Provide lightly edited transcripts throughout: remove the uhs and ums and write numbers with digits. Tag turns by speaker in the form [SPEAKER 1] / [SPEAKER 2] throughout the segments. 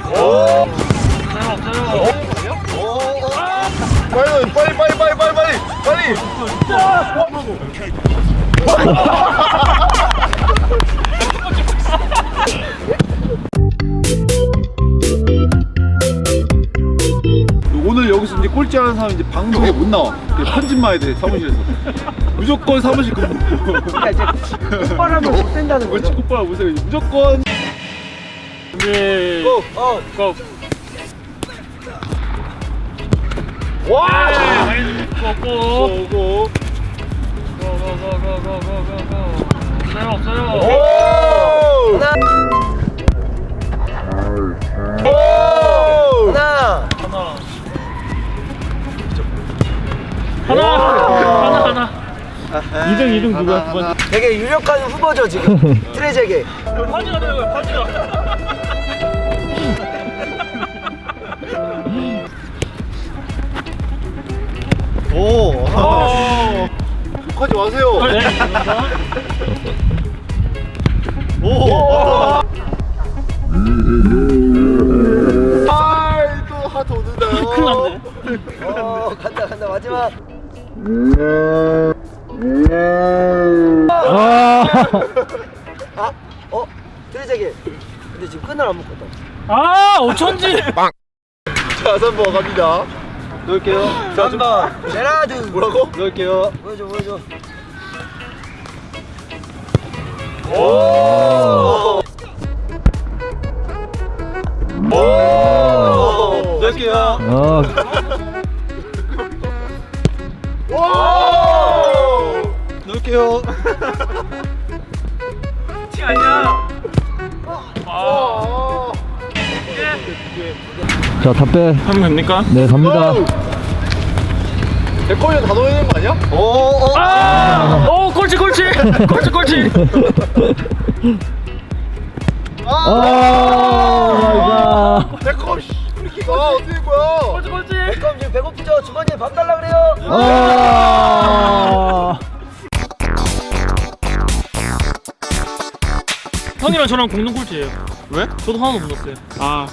[SPEAKER 1] 빨리. 오늘 여기서 이제 꼴찌하는 사람 이제 방송에 못 나와. 편집만 해야 돼 사무실에서. 무조건 사무실 근무.
[SPEAKER 2] 그러니까 이제 콧바람을 못 쐰다는 거죠.
[SPEAKER 1] 그렇지, 콧바람 못 쐬. 무조건.
[SPEAKER 3] 준비.
[SPEAKER 2] 고!
[SPEAKER 3] 고!
[SPEAKER 1] 와!
[SPEAKER 3] 고고!
[SPEAKER 1] 오고.
[SPEAKER 3] 고고고고고고고고. 없어요.
[SPEAKER 1] 오!
[SPEAKER 2] 하나!
[SPEAKER 1] 오!
[SPEAKER 2] 하나!
[SPEAKER 3] 하나. 2등 누구야? 두 번째.
[SPEAKER 2] 되게 유력한 후보죠 지금. 트레제게.
[SPEAKER 3] 파지가 되는 거야, 파지가.
[SPEAKER 1] 오! 욕하지 마세요. 오! 아이, 또 하트 오는다.
[SPEAKER 3] 큰일 났네.
[SPEAKER 2] 간다 마지막. 트레제게. 근데 지금 끈을 안 묶었다.
[SPEAKER 3] 아, 어쩐지.
[SPEAKER 1] 자, 3번 갑니다. 넣을게요. 자,
[SPEAKER 2] 3번 제라드.
[SPEAKER 1] 뭐라고? 넣을게요.
[SPEAKER 2] 보여줘.
[SPEAKER 1] 오! 넣을게요. 오! 넣을게요.
[SPEAKER 3] 티 아니야.
[SPEAKER 4] 자, 다 빼.
[SPEAKER 3] 하면 됩니까?
[SPEAKER 4] 네, 갑니다.
[SPEAKER 1] 백골이 다 넣어야 되는 거 아니야?
[SPEAKER 3] 오, 꼴찌.
[SPEAKER 4] 마이 갓.
[SPEAKER 1] 백골 프리킥 어떻게 된 거야?
[SPEAKER 3] 꼴찌.
[SPEAKER 2] 그럼 지금 배고프죠? 주머니에 밥 달라 그래요.
[SPEAKER 3] 형이랑 저랑 공동 꼴찌예요.
[SPEAKER 1] 왜?
[SPEAKER 3] 저도 하나도 못 넣었어요. 아,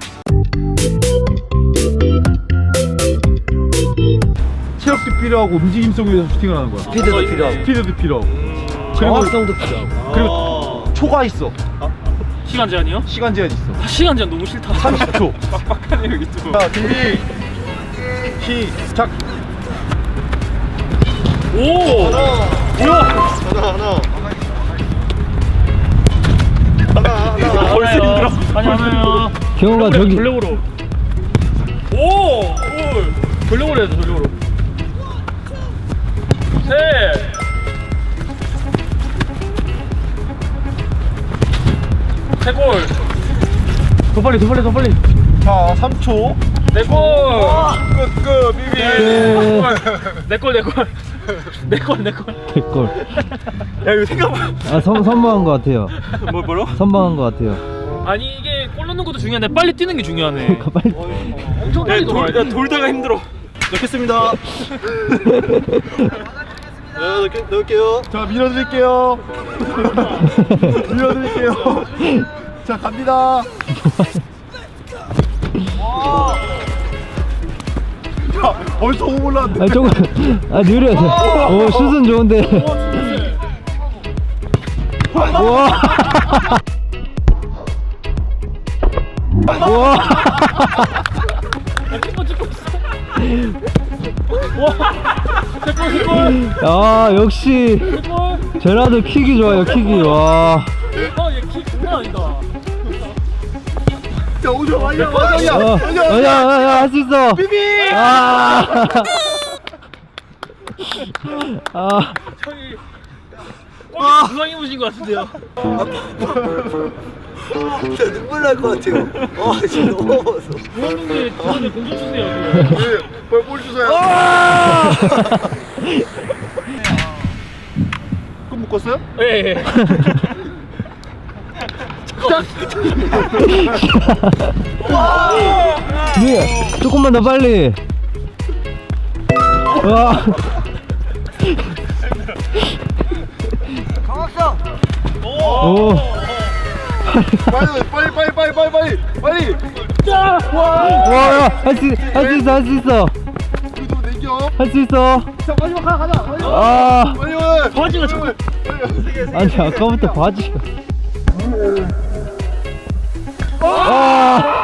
[SPEAKER 1] 체력도 필요하고 움직임성 위해서 슈팅을 하는 거야.
[SPEAKER 2] 스피드도 필요하고
[SPEAKER 1] 스피드도 필요하고.
[SPEAKER 2] 정확성도 필요하고.
[SPEAKER 1] 그리고 초가 있어.
[SPEAKER 3] 시간 제한이요?
[SPEAKER 1] 시간 제한 있어.
[SPEAKER 3] 시간 제한 너무 싫다.
[SPEAKER 1] 30초.
[SPEAKER 3] 빡빡하네요, 유튜브.
[SPEAKER 1] 자, 준비. 시작.
[SPEAKER 3] 오!
[SPEAKER 1] 하나.
[SPEAKER 3] 벌써 힘들어. 아니요.
[SPEAKER 4] 경호가 저기.
[SPEAKER 3] 전력으로. 오! 전력으로 해야죠, 전력으로. 셋! 세 골! 더 빨리.
[SPEAKER 1] 자, 3초.
[SPEAKER 3] 네 골!
[SPEAKER 1] 끝, 비비.
[SPEAKER 3] 네 골.
[SPEAKER 4] 개꿀.
[SPEAKER 1] 야, 이거 생각보다.
[SPEAKER 4] 선방한 것 같아요.
[SPEAKER 3] 뭐라고?
[SPEAKER 4] 선방한 것 같아요.
[SPEAKER 3] 아니, 이게 골 넣는 것도 중요한데 빨리 뛰는 게 중요하네.
[SPEAKER 4] 빨리.
[SPEAKER 3] 엄청 빨리 돌아야 돼.
[SPEAKER 1] 돌다가 힘들어. 넣겠습니다. 네, 넣을게요. 자, 밀어드릴게요. 자, 갑니다. 야, 벌써 5 올라왔는데.
[SPEAKER 4] 조금. 느려서. 오, 슛은 좋은데. 우와. 우와.
[SPEAKER 3] 찍고 있어. 와! 세 골.
[SPEAKER 4] 아, 역시. 제라드 킥이 좋아요, 킥이. 와.
[SPEAKER 3] 얘키 장난 아니다.
[SPEAKER 1] 자, 오죠. 아니야.
[SPEAKER 4] 할 수 있어.
[SPEAKER 1] 비비.
[SPEAKER 3] 저기 골 부상 입으신 것 같은데요.
[SPEAKER 2] 진짜 눈물 날 것 같아요. 진짜 너무 먹었어.
[SPEAKER 3] 부상인데 주변에 공좀 주세요.
[SPEAKER 1] 볼 주세요. 끝 묶었어요?
[SPEAKER 3] 예.
[SPEAKER 4] 조금만 더 빨리. 와.
[SPEAKER 2] 강학성.
[SPEAKER 4] 오.
[SPEAKER 1] 빨리.
[SPEAKER 4] 와, 야, 할 수 있어, 할 수 있어.
[SPEAKER 1] 우리도 내겨.
[SPEAKER 4] 할 수 있어.
[SPEAKER 1] 자, 마지막 가자.
[SPEAKER 4] 아,
[SPEAKER 1] 빨리 와.
[SPEAKER 3] 바지가 자꾸
[SPEAKER 4] 아니, 아까부터 바지가. 아,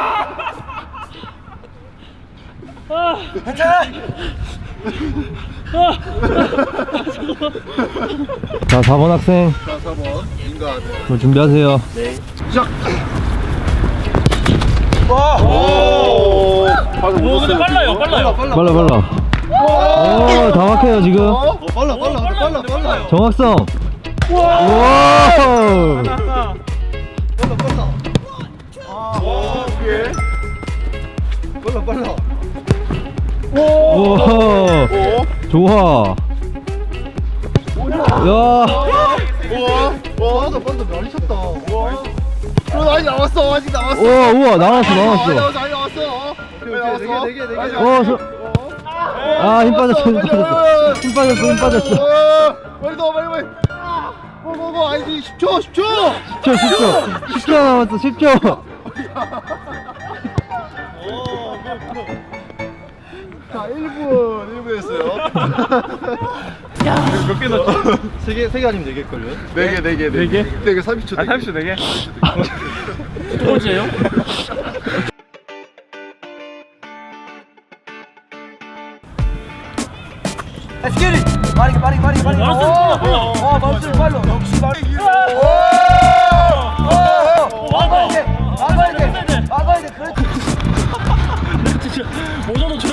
[SPEAKER 4] 자, 4번 학생,
[SPEAKER 1] 자, 4번 인간.
[SPEAKER 4] 뭐 준비하세요.
[SPEAKER 1] 시작.
[SPEAKER 2] 오!
[SPEAKER 1] 오. 방금
[SPEAKER 3] 오 근데 빨라요 빨라요
[SPEAKER 4] 빨라, 빨라. 오, 다 막혀요, 지금.
[SPEAKER 3] 빨라요
[SPEAKER 4] 정확성. 오!
[SPEAKER 1] 오케이.
[SPEAKER 4] 오! 좋아. 야,
[SPEAKER 1] 와, 방금 많이 쳤다. 와. 아직 나왔어. 아직 나왔어.
[SPEAKER 4] 오, 우와, 나왔어.
[SPEAKER 1] 아직 나왔어.
[SPEAKER 4] 오, 아, 힘 빠졌어, 힘 빠졌어. 힘 빠졌어, 힘 빠졌어.
[SPEAKER 1] 빨리 넣어, 빨리. 뭐, 아이디 10초.
[SPEAKER 4] 10초 남았어, 10초.
[SPEAKER 1] 자, 1분 했어요.
[SPEAKER 3] 몇개 넣었지?
[SPEAKER 2] 3개 아니면 4개일걸요?
[SPEAKER 1] 4개 30초.
[SPEAKER 3] 30초 4개? 두 번째예요?
[SPEAKER 2] Let's get it! 빠르게.
[SPEAKER 3] 빨라.
[SPEAKER 2] 멈출 빨로. 역시 빠르게. 막아야 돼. 그렇지.
[SPEAKER 3] 모자도